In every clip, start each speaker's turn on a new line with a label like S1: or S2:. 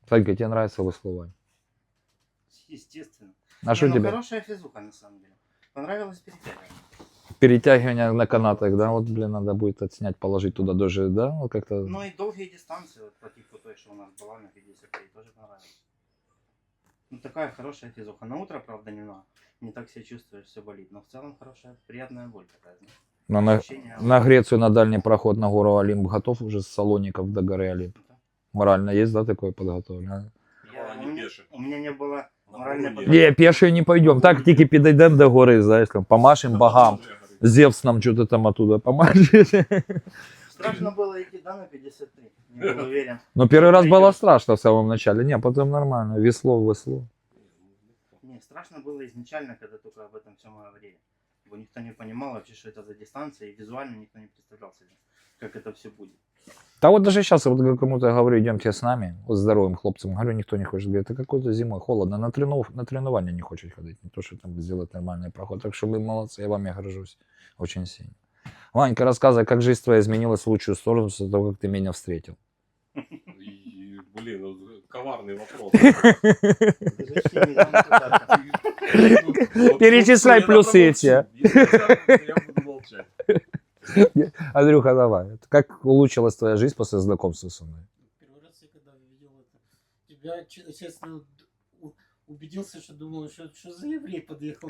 S1: Санька, тебе нравится веслование?
S2: Естественно.
S1: А что
S2: ну,
S1: тебе?
S2: Хорошая физуха, на самом деле. Понравилось перетягивание.
S1: Перетягивание на канатах, да? Вот, блин, надо будет отснять, положить туда даже, да? Вот как-то...
S2: Ну и долгие дистанции, вот по типу той, что у нас была на 53, тоже понравилось. Ну такая хорошая физуха. На утро, правда, не так себя чувствуешь, все болит. Но в целом хорошая, приятная боль такая, знаешь.
S1: На Грецию, на дальний проход на гору Олимп готов уже с Салоников до горы Олимп?
S2: Да.
S1: Морально есть, да, такое подготовлено?
S2: У меня не было моральной
S3: Не,
S2: подготовки.
S1: Не, пешие не пойдем. Так тільки підійдемо до гори, знаешь, там, помашем богам. Зевс нам что-то там оттуда помашет.
S2: Страшно было идти, да, на 53. Не был уверен.
S1: Но первый раз было страшно в самом начале. Не, потом нормально. Весло.
S2: Не, страшно было изначально, когда только об этом всем говорили. Бо никто не понимал вообще, что это за дистанция, и визуально никто не представлял себе, как это все будет.
S1: Да вот даже сейчас, вот кому-то говорю, идемте с нами, вот здоровым хлопцам, говорю, никто не хочет. Говорит, это какой-то зимой холодно, на тренирование не хочет ходить, не то, что там сделать нормальный проход. Так что вы молодцы, я вами горжусь очень сильно. Ванька, рассказывай, как жизнь твоя изменилась в лучшую сторону после того, как ты меня встретил.
S3: Блин, ну, коварный вопрос.
S1: Перечисляй плюсы эти.
S3: Я буду молчать.
S1: Андрюха, давай. Как улучшилась твоя жизнь после знакомства со мной?
S4: Первый раз я когда увидел это, тебя, честно, убедился, что думал, что за еврей подъехал.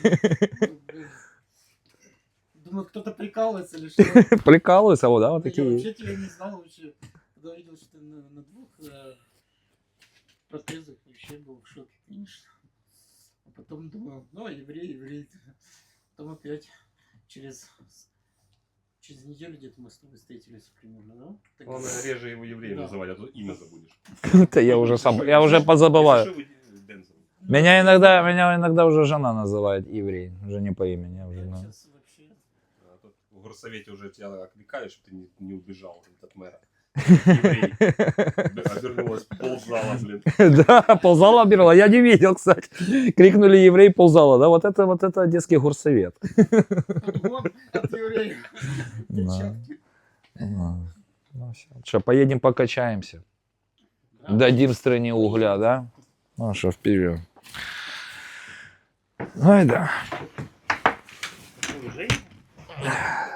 S4: Думаю, кто-то прикалывается или что.
S1: Прикалывайся, вот, да, вот
S4: Я
S1: такие.
S4: вообще тебя не знал, вообще. Когда увидел, что ты на двух протезах, вообще был в шоке, конечно. А потом думал, ну, еврей. Потом опять через неделю где-то мы с тобой встретились примерно, да? Так
S3: Главное, реже его евреем называть, а то имя забудешь.
S1: Это я уже позабываю. Меня иногда уже жена называет еврей, уже не по имени. Я уже, ну.
S4: сейчас вообще...
S3: В горсовете уже тебя окликали, чтобы ты не убежал от мэра. Еврей. Обернулась ползала, блин.
S1: Да, ползала обернула. Я не видел, кстати. Крикнули еврей, ползала. Да, вот это детский горсовет.
S4: Вот, от еврея.
S1: Да. Ну, что, поедем покачаемся. Дадим стране угля, да? Ну что, вперед. Ай да.
S2: Уже?